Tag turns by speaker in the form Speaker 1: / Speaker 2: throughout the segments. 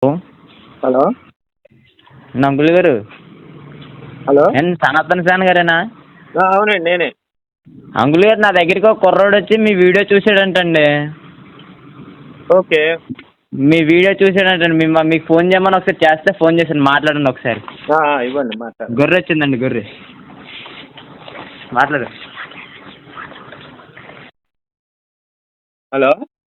Speaker 1: Hello
Speaker 2: uncle గారు.
Speaker 1: Hello
Speaker 2: సనాతన సేన గారేనా?
Speaker 1: అవునండి నేనే.
Speaker 2: అంకుల్ గారు, నా దగ్గరికి ఒక కుర్రోడు వచ్చి మీ వీడియో చూసాడంటండి.
Speaker 1: ఓకే.
Speaker 2: మీ వీడియో చూసాడంటండి. మీకు ఫోన్ చేయమని ఒకసారి చేస్తే ఫోన్ చేశాను, మాట్లాడండి ఒకసారి.
Speaker 1: ఇవ్వండి మాట్లాడు.
Speaker 2: గొర్రె వచ్చిందండి, గొర్రె మాట్లాడు.
Speaker 1: హలో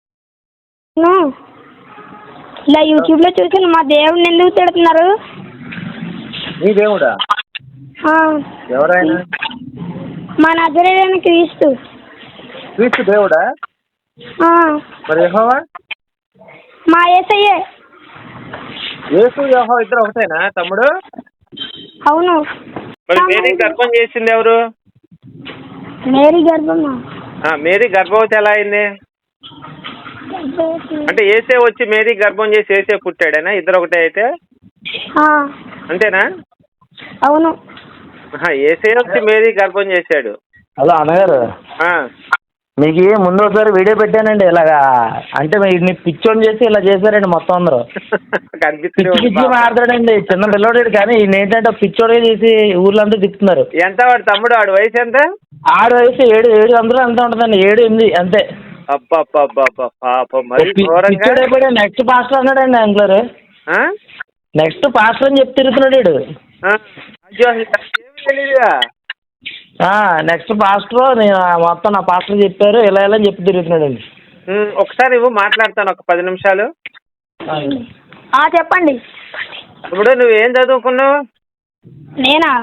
Speaker 3: ఇలా యూట్యూబ్లో చూసి మా దేవుడిని ఎందుకు తిడుతున్నారు?
Speaker 1: మీ దేవుడా? ఎవరైనా?
Speaker 3: మా నజరేయుడైన క్రీస్తు.
Speaker 1: క్రీస్తు దేవుడా? మరి యెహోవా?
Speaker 3: మా యేసయ్యే.
Speaker 1: యేసు యెహోవా ఇద్దరు ఒకటేనా తమ్ముడు?
Speaker 3: అవును.
Speaker 1: మరి మేరీ గర్భం చేసింది ఎవరు?
Speaker 3: మేరీ గర్భమా?
Speaker 1: మేరీ గర్భవతి ఎలా అయింది? అంటే ఏసే వచ్చి మేరీ గర్భం చేసి ఏసే పుట్టాడేనా? ఇద్దరు ఒకటే అయితే అంతేనా?
Speaker 3: అవును.
Speaker 1: ఏసే వచ్చి మేరీ గర్భం చేశాడు.
Speaker 4: హలో అన్నగారు, మీకు ముందు ఒకసారి వీడియో పెట్టానండి ఇలాగా. అంటే మీరు పిచ్చోని చేసి ఇలా చేశారండి మొత్తం అందరూ. పిచ్చి మాట్లాడాడండి చిన్న పిల్లోడు, కానీ ఈయన ఏంటంటే పిచ్చోడే చేసి ఊర్లంతా తిప్పుతున్నారు.
Speaker 1: ఎంత వాడు తమ్ముడు? ఆడు వయసు ఎంత?
Speaker 4: ఆడు వయసు 7 అందులో ఎంత ఉంటుందండి? 7 8 అంతే. పిచ్చోడైపోయాడు. నెక్స్ట్ పాస్టర్ అన్నాడండి అంకులర్. నెక్స్ట్ పాస్టర్ అని చెప్పి తిరుగుతున్నాడు. నెక్స్ట్ పాస్టర్ మొత్తం నా పాస్టర్ చెప్పారు ఇలా ఇలా అని చెప్పి తిరుగుతున్నాడండి.
Speaker 1: ఒకసారి మాట్లాడతాను ఒక 10 నిమిషాలు.
Speaker 3: చెప్పండి.
Speaker 1: ఇప్పుడు నువ్వేం చదువుకున్నావు?
Speaker 3: నేనా?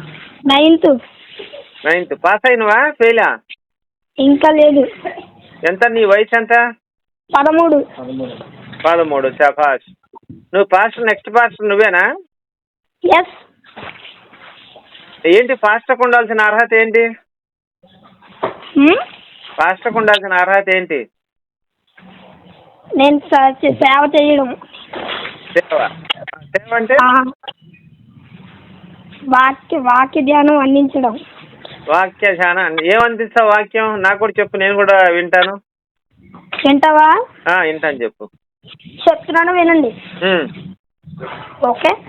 Speaker 3: 9th.
Speaker 1: పాస్ అయినవా ఫెయిలా?
Speaker 3: ఇంకా లేదు.
Speaker 1: ఎంత నీ వయసు ఎంత? 13. శభాష్. నువ్వు పాస్టర్, నెక్స్ట్ పాస్టర్ నువ్వేనా?
Speaker 3: ఎస్.
Speaker 1: ఏంటి పాస్టర్కి ఉండాల్సిన అర్హత ఏంటి? పాస్టర్కి ఉండాల్సిన అర్హత ఏంటి?
Speaker 3: నేను సేవ చేయడం.
Speaker 1: సేవ అంటే
Speaker 3: వాక్య ధ్యానం అందించడం.
Speaker 1: వాక్య ధ్యానం ఏమందిస్తావు? వాక్యం నాకు కూడా చెప్పు, నేను కూడా వింటాను.
Speaker 3: వింటావా?
Speaker 1: వింటాను, చెప్పు.
Speaker 3: చెప్తున్నాను వినండి. ఓకే.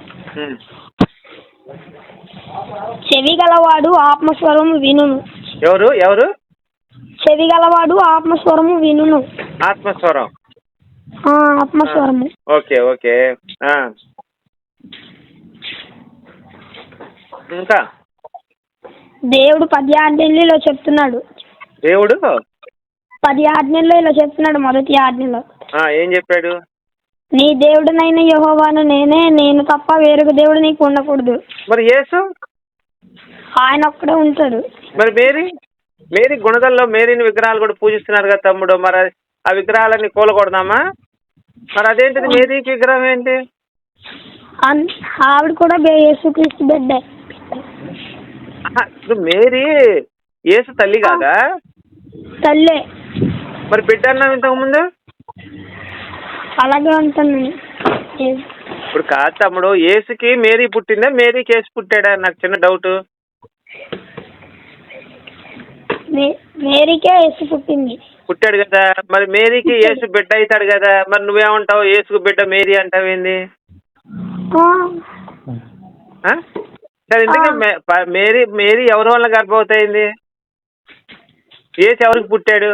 Speaker 3: చెవి గలవాడు ఆత్మస్వరము వినును.
Speaker 1: ఎవరు?
Speaker 3: చెవి గలవాడు ఆత్మస్వరము వినును.
Speaker 1: ఆత్మస్వరం.
Speaker 3: ఆత్మస్వరము.
Speaker 1: ఓకే. ఇంకా
Speaker 3: దేవుడు 10 ఆజ్ఞల్లో చెప్తున్నాడు.
Speaker 1: దేవుడు
Speaker 3: 10 ఆజ్ఞల్లో ఇలా చెప్తున్నాడు. మొదటి ఆజ్ఞలో
Speaker 1: ఏం చెప్పాడు?
Speaker 3: నీ దేవుడినైన యెహోవాను నేనే, నేను తప్ప వేరొక దేవుడు నీకు ఉండకూడదు.
Speaker 1: మరి యేసు?
Speaker 3: ఆయన ఒక్కడే ఉంటాడు.
Speaker 1: మరి మేరీ గుణదల్లో మేరీని విగ్రహాలు కూడా పూజిస్తున్నారు కదా తమ్ముడు. మరి ఆ విగ్రహాలన్నీ కూలకూడదామా? మరి అదేంటిది మేరీకి విగ్రహం ఏంటి?
Speaker 3: ఆవిడ కూడా యేసుక్రీస్తు బిడ్డే.
Speaker 1: మేరీ యేసు తల్లి కాదా?
Speaker 3: తల్లే.
Speaker 1: మరి బిడ్డ అన్నావు ఇంతకు ముందు.
Speaker 3: అలాగే ఉంటాను.
Speaker 1: ఇప్పుడు కాదు తమ్ముడు, యేసుకి మేరీ పుట్టిందా, మేరీకి యేసు పుట్టాడా? నాకు చిన్న డౌట్.
Speaker 3: మేరీకే యేసు
Speaker 1: పుట్టాడు కదా. మరి మేరీకి యేసు బిడ్డ అవుతాడు కదా. మరి నువ్వేమంటావు? యేసుకు బిడ్డ మేరీ అంటావేంది? సరే, ఎందుకు మేరీ ఎవరి వల్ల గర్భవతి అయింది? యేసు ఎవరికి పుట్టాడు?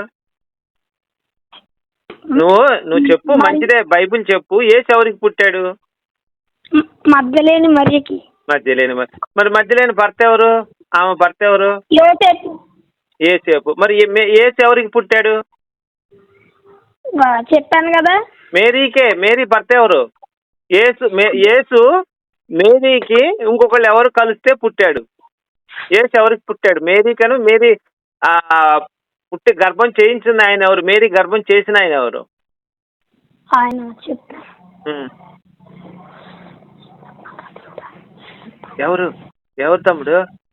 Speaker 1: నువ్వు చెప్పు, మంచిదే. బైబిల్ చెప్పు. యేసు ఎవరికి పుట్టాడు?
Speaker 3: మధ్యలేని మరియకి.
Speaker 1: మరి మధ్యలేని భర్త ఎవరు? ఆమె భర్త ఎవరు? యేసేపు. మరి యేసు ఎవరికి పుట్టాడు?
Speaker 3: చెప్పాను కదా.
Speaker 1: మేరీ భర్త ఎవరు? యేసు మేరీకి ఇంకొకళ్ళు ఎవరు కలిస్తే పుట్టాడు. యేసు ఎవరికి పుట్టాడు? మేరీకను. మేరీ పుట్టి గర్భం చేయించింది ఆయన ఎవరు? మేరీ గర్భం చేసిన ఆయన ఎవరు?
Speaker 3: ఆయన
Speaker 1: ఎవరు తమ్ముడు?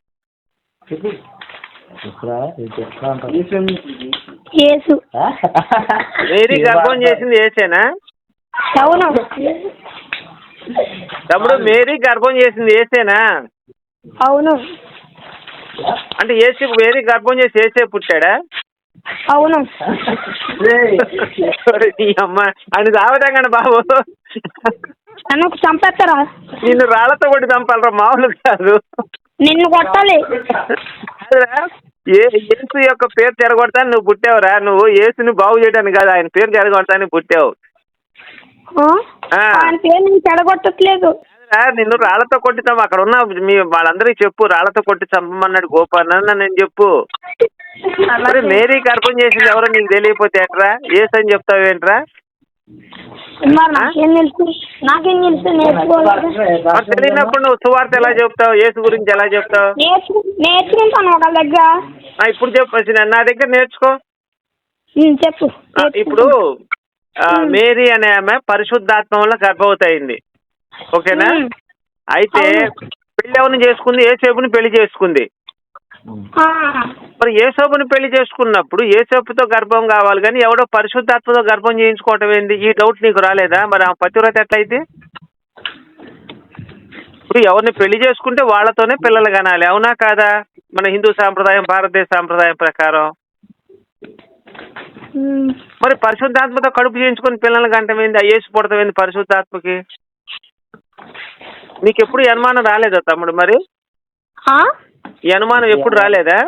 Speaker 3: యేసు.
Speaker 1: మేరీ గర్భం చేసింది యేసేనా?
Speaker 3: అవును
Speaker 1: తమ్ముడు, మేరీ గర్భం చేసింది యేసేనా?
Speaker 3: అవును.
Speaker 1: అంటే మేరీ గర్భం చేసి యేసే పుట్టాడా?
Speaker 3: అవును.
Speaker 1: నీ అమ్మ అని సావటం బాబు.
Speaker 3: నన్ను చంపేస్తారా?
Speaker 1: నిన్ను రాళ్లతో కొట్టి చంపాలరా, మామూలు కాదు.
Speaker 3: నిన్ను కొట్టాలి.
Speaker 1: యేసు యొక్క పేరు చెరగొడతాను నువ్వు పుట్టావురా. నువ్వు యేసుని బాగు చేయడానికి కాదు, ఆయన పేరు చెరగొడతాను పుట్టావు.
Speaker 3: ఆయన పేరు నేను చెడగొట్టట్లేదు.
Speaker 1: నిన్ను రాళ్లతో కొట్టి చంప, అక్కడ ఉన్న వాళ్ళందరికీ చెప్పు, రాళ్లతో కొట్టి చంపమన్నాడు గోపాలన్న నేను చెప్పు. మరి మేరీ గర్భం చేసింది ఎవరో నీకు తెలియకపోతే ఎట్రా యేసు అని చెప్తావేంట్రా?
Speaker 3: నాకేం తెలుసు
Speaker 1: మరి తెలియనప్పుడు నువ్వు సువార్త ఎలా చెప్తావు? యేసు గురించి ఎలా చెప్తావు?
Speaker 3: నేర్చుకుంటాను ఒకళ్ళ దగ్గర.
Speaker 1: ఇప్పుడు చెప్పు, నా దగ్గర నేర్చుకో.
Speaker 3: చెప్పు.
Speaker 1: ఇప్పుడు మేరీ అనే ఆమె పరిశుద్ధాత్మ వల్ల గర్భవతి అయింది, ఓకేనా? అయితే పెళ్లి ఎవరిని చేసుకుంది? యేసేపుని పెళ్లి చేసుకుంది. మరి యేసేపుని పెళ్లి చేసుకున్నప్పుడు యేసేపుతో గర్భం కావాలి కానీ ఎవడో పరిశుద్ధాత్మతో గర్భం చేయించుకోవటం ఏంది? ఈ డౌట్ నీకు రాలేదా? మరి ఆ పతివ్రత ఎట్లయితే? ఇప్పుడు ఎవరిని పెళ్లి చేసుకుంటే వాళ్ళతోనే పిల్లలు కనాలి, అవునా కాదా? మన హిందూ సాంప్రదాయం, భారతదేశ సాంప్రదాయం ప్రకారం. మరి పరిశుద్ధాత్మతో కడుపు చేయించుకొని పిల్లలు కంటమైంది, యేసు పుడతమైంది పరిశుద్ధాత్మకి. నీకు ఎప్పుడు ఈ అనుమానం రాలేదా తమ్ముడు? మరి ఈ అనుమానం ఎప్పుడు రాలేదా?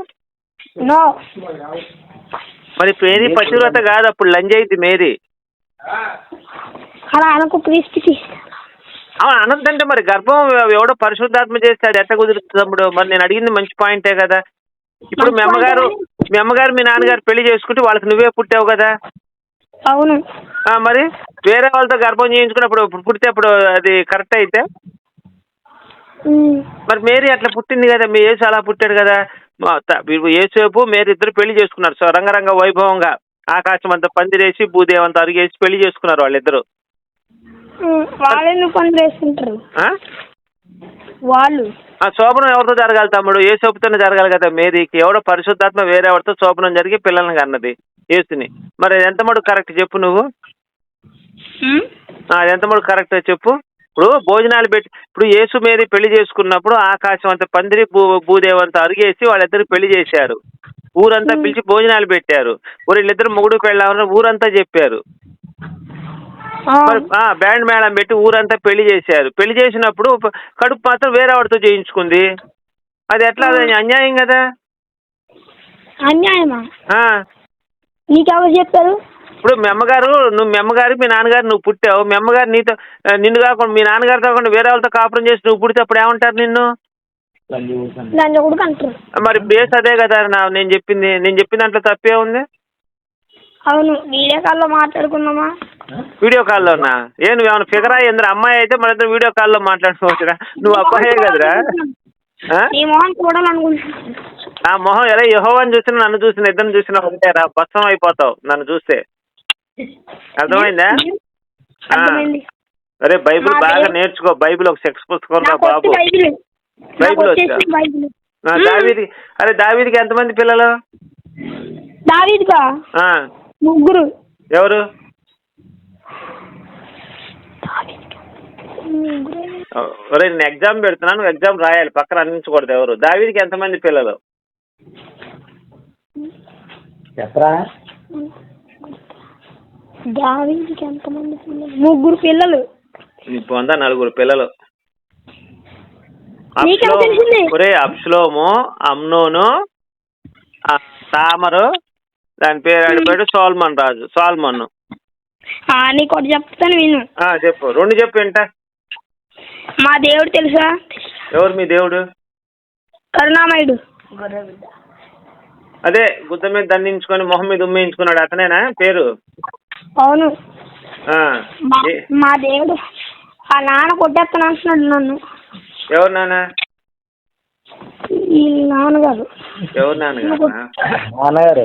Speaker 1: మరి మేరీ పతివ్రత కాదు, అప్పుడు లంజ్ అయింది మేరీ. అనొద్దంటే మరి గర్భం ఎవడో పరిశుద్ధాత్మ చేస్తే అది ఎట్ట కుదురుతుంది తమ్ముడు? మరి నేను అడిగింది మంచి పాయింటే కదా. ఇప్పుడు మీ అమ్మగారు మీ నాన్నగారు పెళ్లి చేసుకుంటే వాళ్ళకి నువ్వే పుట్టావు కదా.
Speaker 3: అవును.
Speaker 1: మరి వేరే వాళ్ళతో గర్భం చేయించుకున్నప్పుడు పుడితే అప్పుడు అది కరెక్ట్ అయితే? మరి మేరీ అట్లా పుట్టింది కదా, మీ యేసు అలా పుట్టాడు కదా. యేసేపు మేరీ ఇద్దరు పెళ్లి చేసుకున్నారు, సో రంగరంగ వైభవంగా ఆకాశం అంతా పందిరేసి భూదేవంతా అరిగేసి పెళ్లి చేసుకున్నారు వాళ్ళిద్దరు.
Speaker 3: వాళ్ళు
Speaker 1: శోభనం ఎవరితో జరగాలి తమ్ముడు? యేసేపుతోనే జరగాలి కదా మేరీకి. ఎవడో పరిశుద్ధాత్మ వేరే ఎవరితో శోభనం జరిగి పిల్లల్ని కన్నది యేసుని. మరి ఎంత మటుకు కరెక్ట్ చెప్పు నువ్వు? ఎంత మటుకు కరెక్ట్ చెప్పు? ఇప్పుడు భోజనాలు పెట్టి, ఇప్పుడు యేసు మేరీ పెళ్లి చేసుకున్నప్పుడు ఆకాశం అంతా పందిరి భూదేవంతా అరిగేసి వాళ్ళిద్దరు పెళ్లి చేశారు. ఊరంతా పిలిచి భోజనాలు పెట్టారు. వీళ్ళిద్దరు మొగుడు పెళ్ళామని ఊరంతా చెప్పారు. మరి బ్యాండ్ మేళం పెట్టి ఊరంతా పెళ్లి చేశారు. పెళ్లి చేసినప్పుడు కడుపు మాత్రం వేరే వాడితో చేయించుకుంది, అది ఎట్లా? అది అన్యాయం కదా.
Speaker 3: అన్యాయమా? నీకెవరు చెప్పారు?
Speaker 1: ఇప్పుడు మీ అమ్మగారు మీ నాన్నగారు నువ్వు పుట్టావు, మీ అమ్మగారు నిన్ను కాకుండా మీ నాన్నగారు కాకుండా వేరే వాళ్ళతో కాపురం చేసి నువ్వు పుడితే అప్పుడు ఏమంటారు నిన్ను? మరి ఇప్పుడు యేసు అదే కదా నేను చెప్పిన దాంట్లో తప్పే ఉంది.
Speaker 3: అవును, వీడియో కాల్లో మాట్లాడుకున్నామా?
Speaker 1: వీడియో కాల్లోనా? నువ్వు ఏమైనా ఫిగర్ అయ్యిందిరా? అమ్మాయి అయితే మన ఇద్దరు వీడియో కాల్లో మాట్లాడుకోవచ్చురా. నువ్వు అబ్బాయే కదరా? ఆ మొహం ఎలా యెహోవాని చూసినా నన్ను చూసిన ఇద్దరిని చూసినా ఒకటేరా, భస్మం అయిపోతావు నన్ను చూస్తే. అర్థమైందా? అరే బైబిల్ బాగా నేర్చుకో. బైబిల్ ఒక సెక్స్ పుస్తకం రా బాబు. బైబిల్ వచ్చా? దావీదికి ఎంతమంది పిల్లలు?
Speaker 3: దావీదుకా? ముగ్గురు.
Speaker 1: ఎవరు? నేను ఎగ్జామ్ పెడుతున్నాను, ఎగ్జామ్ రాయాలి, పక్కన అందించకూడదు. ఎవరు? దావీదికి ఎంతమంది పిల్లలు
Speaker 4: చెప్పరా?
Speaker 3: దావీదుకి ఎంతమంది పిల్లలు? ముగ్గురు పిల్లలు.
Speaker 1: పొందా 4 పిల్లలు. అబ్షలోము, అమ్నోను, తామరు, దాని పేరు సోల్మన్ రాజు. సోల్మన్.
Speaker 3: నీకోటి చెప్తాను విను.
Speaker 1: చెప్పు. 2 చెప్పు ఏంట.
Speaker 3: మా దేవుడు తెలుసా?
Speaker 1: ఎవరు మీ దేవుడు?
Speaker 3: కరుణామయుడు.
Speaker 1: అదే గుద్ద మీద దండించుకొని మొహం మీద ఉమ్మేయించుకున్నాడు అతనేనా పేరు?
Speaker 3: అవును. మా దేవుడు ఆ నాన్న కొట్టేస్తాను అంటున్నాడు నన్ను.
Speaker 1: ఎవరు నాన్న?
Speaker 3: ఈ నాన్నగారు.
Speaker 1: ఎవరు నాన్నగారు?
Speaker 4: నాన్నగారు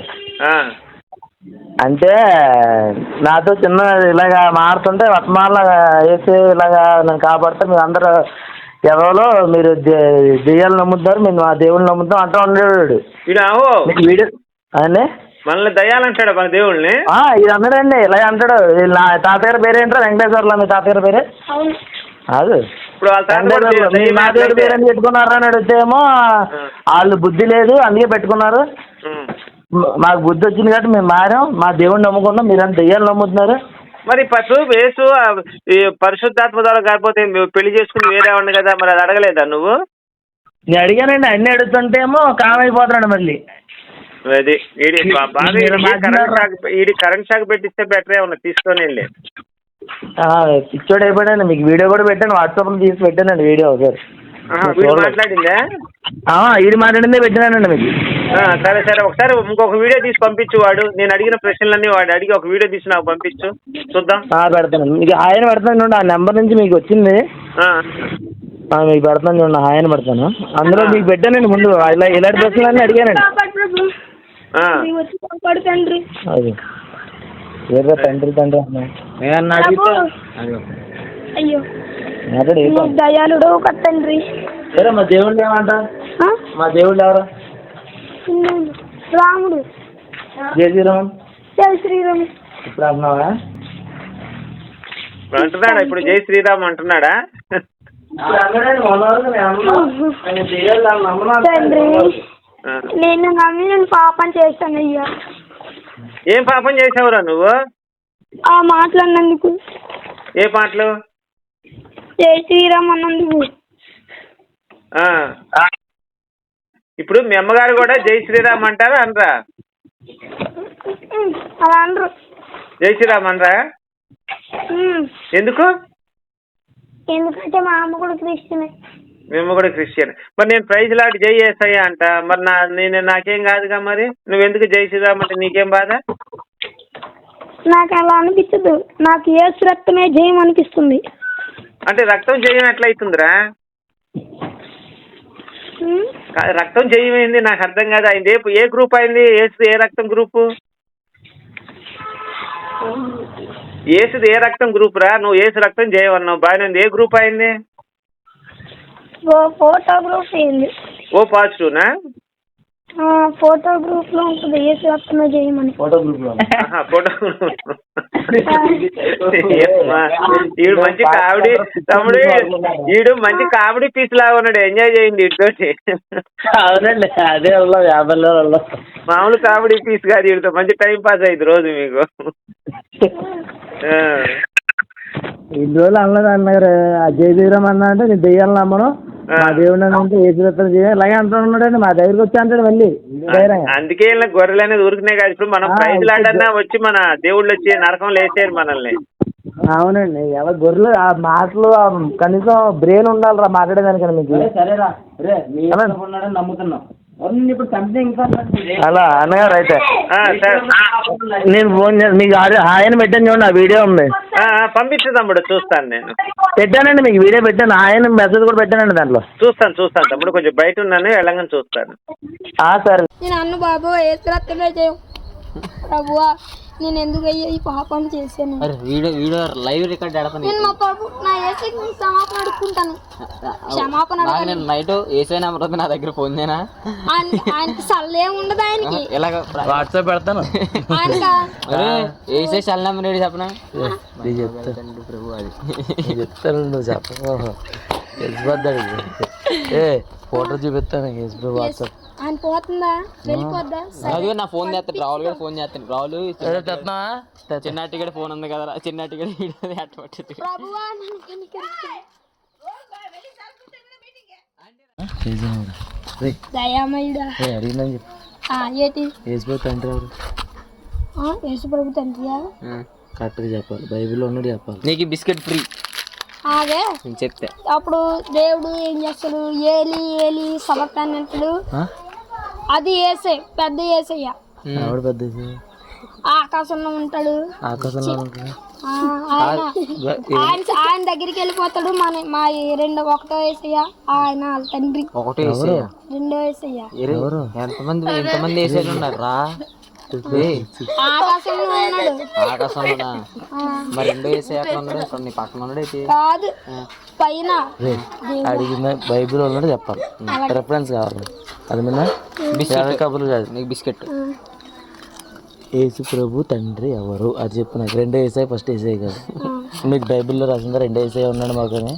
Speaker 4: అంటే నాతో చిన్న ఇలాగా మారుతుంటే వర్తమానంలో వేసి ఇలాగా నన్ను కాపాడితే మీరు అందరూ ఎవరో మీరు దెయ్యాలు నమ్ముతారు, మేము మా దేవుళ్ళు నమ్ముతాం అంటూ ఉండేవాడు వీడియో. అదే
Speaker 1: మనల్ని దయ్యాలంటాడు మన దేవుళ్ళని.
Speaker 4: ఇది అన్నాడండి, ఇలాగ అంటాడు. నా తాతగారి పేరేంటారు? వెంకటేశ్వర్లా. మీ తాతగారి పేరే? అది నా దేవుడి పేరని పెట్టుకున్నారా అని అడిగితేమో వాళ్ళు బుద్ధి లేదు అందుకే పెట్టుకున్నారు, మాకు బుద్ధి వచ్చింది కాబట్టి మేము మారాం, మా దేవుడిని నమ్ముకున్నాం, మీరంతా దెయ్యాలు నమ్ముతున్నారు,
Speaker 1: మరి ఫస్ట్ యేసు ఈ పరిశుద్ధాత్మ ద్వారా కాకపోతే పెళ్లి చేసుకుని వేరే ఉంది కదా, మరి అది అడగలేదా నువ్వు?
Speaker 4: నేను అడిగానండి, అన్ని అడుగుతుంటేమో కామైపోతున్నాడు మళ్ళీ.
Speaker 1: అది కరెంట్ షాక్ పెట్టిస్తే బెటరే ఉన్నా, తీసుకొని వెళ్ళి.
Speaker 4: పిచ్చోడు అయిపోయాడు. మీకు వీడియో కూడా పెట్టాను, వాట్సాప్లో తీసి పెట్టానండి వీడియో ఒకసారి.
Speaker 1: మాట్లాడిందా?
Speaker 4: ఇది మాట్లాడిందే పెట్టినానండి మీకు.
Speaker 1: సరే సరే, ఒకసారి ఇంకొక వీడియో తీసి పంపించు. వాడు నేను అడిగిన ప్రశ్నలన్నీ వాడు అడిగి ఒక వీడియో తీసి నాకు పంపించు, చూద్దాం.
Speaker 4: పెడతాను మీకు ఆయన పెడతాను చూడండి, ఆ నెంబర్ నుంచి మీకు వచ్చింది మీకు పెడతాను చూడండి, ఆయన పెడతాను. అందులో మీకు పెట్టానండి ముందు ఇలాంటి ప్రశ్నలన్నీ అడిగానండి. అది ఏదో తండ్రి
Speaker 3: దయాళుడు తండ్రి.
Speaker 4: సరే మా దేవుళ్ళు ఏమంటా? మా దేవుళ్ళు ఎవరు?
Speaker 3: రాముడు.
Speaker 4: జై శ్రీరామ్.
Speaker 3: జై శ్రీరామ్.
Speaker 4: ఇప్పుడు అంటున్నావా?
Speaker 1: అంటున్నాడా ఇప్పుడు జై శ్రీరామ్ అంటున్నాడా?
Speaker 3: తండ్రి నేను నమ్మి నేను పాపం చేశాను అయ్యా.
Speaker 1: ఏం పాపం చేసావురా నువ్వు?
Speaker 3: ఆ మాటలు అన్నందుకు.
Speaker 1: ఏ పాటలు?
Speaker 3: జై శ్రీరామ్ అన్నందుకు.
Speaker 1: ఇప్పుడు మీ అమ్మగారు కూడా జై శ్రీరామ్ అంటారా అనరా?
Speaker 3: అలా అనరు.
Speaker 1: జై శ్రీరామ్ అనరా? ఎందుకు?
Speaker 3: ఎందుకంటే మా అమ్మ కూడా క్రిస్టియన్.
Speaker 1: మేము కూడా క్రిస్టియన్. మరి నేను ప్రైజ్ లాట్ జై యేసయ్య అంట, మరి నేను నాకేం కాదుగా, మరి నువ్వెందుకు జై శ్రీరామ్ అంటే నీకేం బాధ?
Speaker 3: నాకు అలా అనిపించదు, నాకు యేసు రక్తమే జయం అనిపిస్తుంది.
Speaker 1: అంటే రక్తం జయం ఎట్లయితుందిరా? రక్తం జయం అయింది నాకు అర్థం కాదు. అయింది ఏ గ్రూప్ అయింది? ఏ రక్తం గ్రూపు? ఏసుది ఏ రక్తం గ్రూప్ రా? నువ్వు ఏసు రక్తం జయం అన్నావు, బాగానే ఉంది. ఏ గ్రూప్ అయింది?
Speaker 3: ఫోటో గ్రూప్ అయింది.
Speaker 1: ఓ పాజిటివ్నా?
Speaker 3: ఫోటో గ్రూప్ లో ఉంటుంది ఏసు రక్తమే జయం అని.
Speaker 4: ఫోటో గ్రూప్ లో
Speaker 1: ఈడు మంచి కామెడీ తమ్ముడు, ఈడు మంచి కామెడీ పీస్ లాగా ఉన్నాడు, ఎంజాయ్ చేయండి ఇటుతోటి.
Speaker 4: అవునండి, అదే 50
Speaker 1: మామూలు కామెడీ పీస్ కాదు, వీడితో మంచి టైం పాస్ అయింది రోజు మీకు.
Speaker 4: ఇన్ని రోజులు అన్నది అన్నారు జై శ్రీరామ్ అన్నా అంటే నేను దెయ్యాలను నమ్మను, మా దేవుడు అంటే ఏ శ్రీరత్నం చేయాలి ఇలాగే అంటున్నాడండి. మా దగ్గరికి వచ్చి అంటాడు మళ్ళీ.
Speaker 1: అందుకే గొర్రెలు అనేది ఊరికినే కాదు. ఇప్పుడు మనం ప్రైజ్ లాడన్నా వచ్చి మన దేవుళ్ళు వచ్చి నరకం లేచారు మనల్ని.
Speaker 4: అవునండి, ఎవరు గొర్రెలు ఆ మాటలు కనీసం బ్రెయిన్ ఉండాలిరా మాట్లాడేదానికన్నా మీకు. నమ్ముతున్నాం అలా అన్నగారు. అయితే నేను ఫోన్ చేసి మీకు ఆయన పెట్టాను చూడండి, ఆ వీడియో ఉంది,
Speaker 1: పంపించు తమ్ముడు, చూస్తాను. నేను
Speaker 4: పెట్టానండి మీకు వీడియో పెట్టాను, ఆయన మెసేజ్ కూడా పెట్టానండి దాంట్లో.
Speaker 1: చూస్తాను తమ్ముడు, కొంచెం బయట ఉన్నాను, వెళ్ళగానే చూస్తాను.
Speaker 3: సరే నేను అన్న బాబు ప్రభువా నేను ఎందుకు అయ్యా ఈ పాపం చేశాను.
Speaker 2: వీడియో లైవ్ రికార్డ్
Speaker 3: నేను మా బాబు నా యేసుకి క్షమాపణ అడుక్కుంటాను. క్షమాపణ
Speaker 2: నేను నైట్ ఏసై నెంబర్ నా దగ్గర ఫోన్ చేయనా?
Speaker 3: ఆయనకి సల్లే ఉండదు, ఆయనకి
Speaker 2: ఇలాగ వాట్సాప్ పెడతాను. ఏసై సెల్ నెంబర్ ఏంటి చెప్పనా? ప్రభు అది
Speaker 4: చెప్తాను, నువ్వు చెప్ప ఏ ఫోటో చూపిస్తాను వాట్సాప్.
Speaker 3: ఆయన పోతుందా వెళ్ళిపోద్దా?
Speaker 2: నా ఫోన్ చేస్తాను, రాహుల్ గారు ఫోన్ చేస్తాను. రాహుల్ చిన్నటి కూడా ఫోన్ ఉంది కదా, చిన్నటి కూడా
Speaker 4: యేసు తండ్రి ఎవరు?
Speaker 3: యేసు ప్రభు తండ్రియా?
Speaker 4: కరెక్ట్గా చెప్పాలి, బైబిల్లో ఉన్నది చెప్పాలి.
Speaker 2: నీకు బిస్కెట్ ఫ్రీ
Speaker 3: అదే
Speaker 2: చెప్తే.
Speaker 3: అప్పుడు దేవుడు ఏం చేస్తాడు? ఏలి ఏలి సమర్పణ అంటాడు, అది ఏసే పెద్ద ఏసయ్య.
Speaker 4: ఎవడు పెద్ద?
Speaker 3: ఆకాశంలో ఉంటాడు.
Speaker 4: ఆకాశంలో ఉంటాడు
Speaker 3: ఆయన దగ్గరికి వెళ్ళిపోతాడు. మా ఒకటో ఏసయ్య ఆయన తండ్రి.
Speaker 2: ఒకటో ఏసయ్య,
Speaker 3: రెండో ఏసయ్య.
Speaker 2: ఎంతమంది ఏసయ్యలు ఉన్నారు రా?
Speaker 3: ఆకాశంలో ఉన్నాడు.
Speaker 2: ఆకాశంలోనా? మరి రెండో ఏసయ్య ఎక్కడ ఉన్నాడు? నీ పక్కన ఉన్నాడు అయితే
Speaker 3: కాదు, పైన.
Speaker 4: అడిగిన బైబిల్ ఉన్నాడు చెప్పాలి, రెఫరెన్స్ కావాలి. అది మీద బిస్కెట్ కబుర్లు కాదు, నీకు బిస్కెట్. యేసు ప్రభు తండ్రి ఎవరు అది చెప్పు నాకు. రెండో ఏసై ఫస్ట్ ఏసై కాదు. మీకు బైబిల్లో రాసిందా రెండో ఏసై ఉన్నాడు మాకని?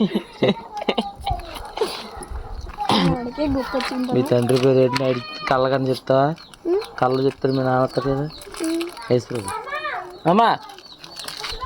Speaker 4: మీ తండ్రి పేరు ఏంటి అడిగి కళ్ళకని చెప్తావా? కళ్ళు చెప్తారు మీ నాన్న కదా. యేసు ప్రభు. అమ్మా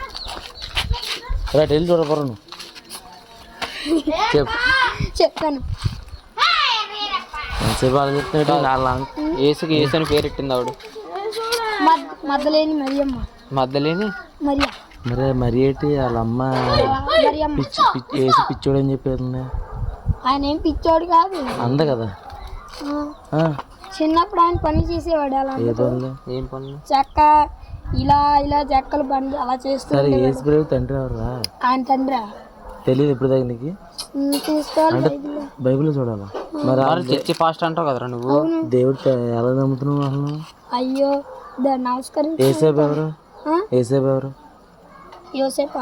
Speaker 4: రైట్ వెళ్ళి చూడపోరా నువ్వు చెప్పు
Speaker 3: చెప్పాను.
Speaker 4: ఎంతసేపు అలా చెప్తున్నాడు నాలుగు
Speaker 2: ఏసుకి ఏసు అని పేరు పెట్టింది ఆవిడ.
Speaker 3: మద్దలేని మరియమ్మ.
Speaker 2: మధ్యలేని
Speaker 3: మరియా
Speaker 4: మరి ఏంటి వాళ్ళ అమ్మ
Speaker 3: మరియమ్మ.
Speaker 4: వేసి పిచ్చోడు అని చెప్పేది.
Speaker 3: ఆయన ఏం పిచ్చోడు కాదు
Speaker 4: అంద కదా.
Speaker 3: చిన్నప్పుడు ఆయన పని చేసేవాడు అలా
Speaker 4: ఏ పనులు
Speaker 2: ఏం పనులు?
Speaker 3: చెక్క ఇలా ఇలా చెక్కలు బండి అలా చేస్తారు.
Speaker 4: ఏసు బ్రేవ్ తండ్రి ఎవరా?
Speaker 3: ఆయన తండ్రి
Speaker 4: తెలియదు ఇప్పుడు దాకా నీకు?
Speaker 3: చూసుకోవాలి.
Speaker 4: బైబిల్ చూడాలా మరి?
Speaker 2: చర్చి ఫాస్ట్ అంటావు కదరా నువ్వు.
Speaker 4: దేవుడు ఎలా నమ్ముతున్నావు అసలు?
Speaker 3: అయ్యో నమస్కారం.
Speaker 4: ఏసేపు ఎవరు? ఏసేపు ఎవరు?
Speaker 3: యోసేపా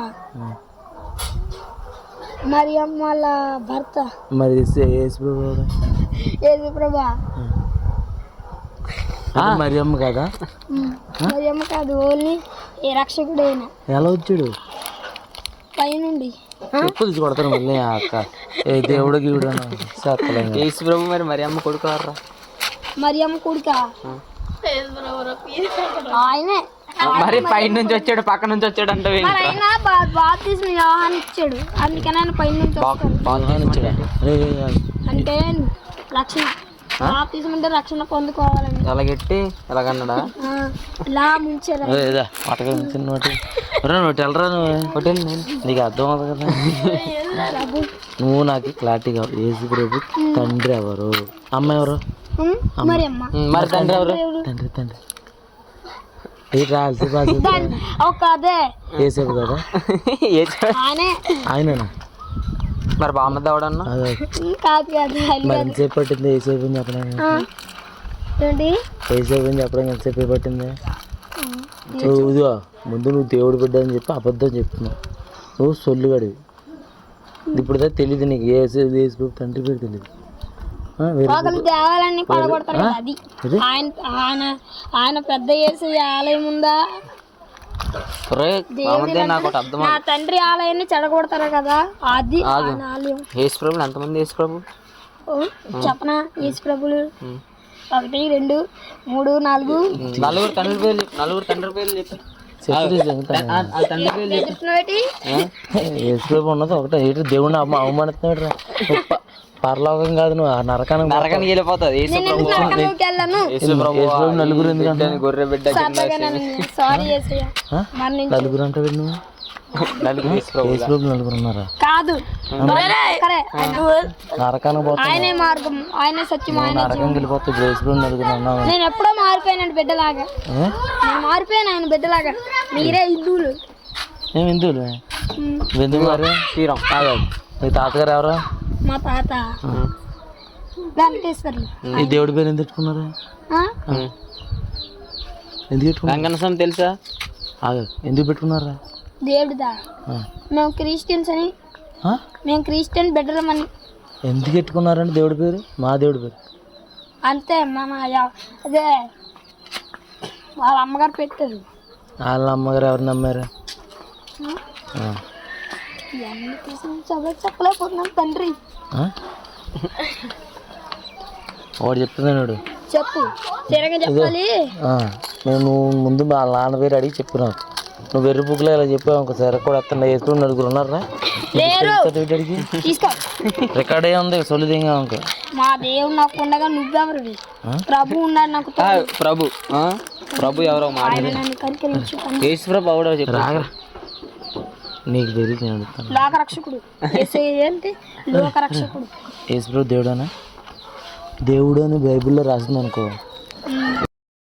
Speaker 3: మరియమ్మ వాళ్ళ భర్త.
Speaker 4: మరి యేసు ఎవరు?
Speaker 3: యేసు ప్రభా.
Speaker 4: మరియమ్మ కదా?
Speaker 3: మరియమ్మ కాదు, ఓన్లీ ఏ రక్షకుడైనా.
Speaker 4: ఎలా వచ్చాడు?
Speaker 3: పైనుండి
Speaker 4: చెప్పులు కొడతాను మళ్ళీ అక్క. ఏ దేవుడు గీవుడు
Speaker 2: యేసు ప్రభు మరి అమ్మ కొడుకు రా.
Speaker 3: మరియమ్మ కొడుక ఆయనే.
Speaker 2: మరి పైన నుంచి వచ్చాడు పక్క నుంచి వచ్చాడు అంటే
Speaker 3: మరి ఆయన బాప్తిస్మం యోహాను ఇచ్చాడు, అందుకని ఆయన పైన నుంచి వస్తాడు. అంటే రక్షణ, బాప్తిస్మం అంటే రక్షణ పొందుకోవాలని.
Speaker 2: ఎలాగెట్టి ఎలాగన్నాడా?
Speaker 3: ఇలా ముంచారు.
Speaker 4: నోటి వెళ్ళరా నువ్వు, నీకు అర్థం అవుతుంది కదా. నువ్వు నాకు క్లారిటీ కావాలి. యేసు ప్రభు తండ్రి ఎవరు? అమ్మ ఎవరు?
Speaker 3: మరియమ్మ.
Speaker 2: మరి తండ్రి ఎవరు?
Speaker 4: తండ్రి తండ్రి రాల్సి
Speaker 3: అదే
Speaker 4: ఏసేపు కదా? ఆయననా?
Speaker 2: మరి బామ్మది ఎవడన్నా?
Speaker 3: కాదు కాదు.
Speaker 4: మరి ఎంతసేపు పట్టింది ఏసేపు అని చెప్పడానికి? ఏసేపు అని చెప్పడానికి ఎంతసేపు పట్టింది? ఇదిగో ముందు నువ్వు దేవుడు బిడ్డ అని చెప్పి అబద్ధం చెప్తున్నావు. నువ్వు సొల్లుగాడివి. ఇప్పుడు తెలియదు నీకు ఏసు తండ్రి పేరు తెలియదు.
Speaker 3: దేవాలయాన్ని పడగొడతారు కదా, అది ఆయన ఆయన ఆయన పెద్ద యేసు ఆలయం ఉందా? నా తండ్రి ఆలయాన్ని చెడగొడతారు కదా, అది ఆలయం.
Speaker 2: యేసు ప్రభు ఎంతమంది? యేసు ప్రభు
Speaker 3: చెప్పనా? యేసు ప్రభులు 1 2 3 4
Speaker 2: నలుగురు తండ్రి పేర్లు. నలుగురు తండ్రి పేర్లు చెప్పి
Speaker 4: యేసు ప్రభు ఉన్నది ఒకటే. ఏంటి దేవుడిని అవమానిస్తున్నాడు? పరలోకం కాదు, నువ్వు నరకానికి
Speaker 2: వెళ్ళిపోతుంది.
Speaker 4: నలుగురు ఎందుకంటే
Speaker 2: గొర్రె బిడ్డ
Speaker 4: నలుగురు అంటే నువ్వు నలుగురు ఉన్నారా?
Speaker 3: కాదు,
Speaker 4: నరకానికి పోతా.
Speaker 3: ఆయనే మార్గం, ఆయనే సత్యం, ఆయన
Speaker 4: నరకం వెళ్ళిపోతుంది. యేసు నలుగురు ఉన్నావు.
Speaker 3: నేను ఎప్పుడో మారిపోయాను బిడ్డలాగా. నేను మారిపోయాను ఆయన బిడ్డలాగా. మీరే హిందువులు.
Speaker 4: మేము హిందువులు. ఎందుకు మరి?
Speaker 2: శ్రీరామ్.
Speaker 4: మీ తాతగారు ఎవరు?
Speaker 3: మా తాత వెంకటేశ్వర్లు.
Speaker 4: ఈ దేవుడి పేరు ఎందుకు పెట్టుకున్నారు? ఎందుకు పెట్టుకున్నారు?
Speaker 2: వెంకటస్వామి తెలుసా?
Speaker 4: ఎందుకు పెట్టుకున్నారా?
Speaker 3: దేవుడిదా? మేము క్రిస్టియన్స్ అని, మేము క్రిస్టియన్ బిడ్డలమని.
Speaker 4: ఎందుకు పెట్టుకున్నారండి దేవుడి పేరు? మా దేవుడి పేరు
Speaker 3: అంతే. మన అదే వాళ్ళ అమ్మగారు పెట్టారు.
Speaker 4: వాళ్ళ అమ్మగారు ఎవరు నమ్మారు?
Speaker 3: చెప్పలేకపోతున్నాను తండ్రి.
Speaker 4: వాడు చెప్తున్నాడు.
Speaker 3: చెప్పు, తిరగా చెప్పాలి.
Speaker 4: నేను ముందు మా నాన్న పేరు అడిగి చెప్పినావు. నువ్వు వెర్రి బుక్లో ఇలా చెప్పావు. ఇంకోసారి కూడా వస్తున్నా. వేసుకుని నలుగురు ఉన్నారా? రికార్డ్ అయ్యే ఉంది. సొలిదింగా ఇంకో
Speaker 3: మా దేవుడు నాకు ఉండగా నువ్వెవరు? ప్రభు ఉన్నాడు నాకు.
Speaker 2: ప్రభు ప్రభు ఎవరో యేసు ప్రభు ఎవడో చెప్పు.
Speaker 4: నీకు తెలియదు, నేను అడుగుతాను.
Speaker 3: లోకరక్షకుడు ఏంటి? లోకరక్షకుడు
Speaker 4: యేసు ప్రభు దేవుడనా? దేవుడు అని బైబిల్లో రాసింది అనుకో.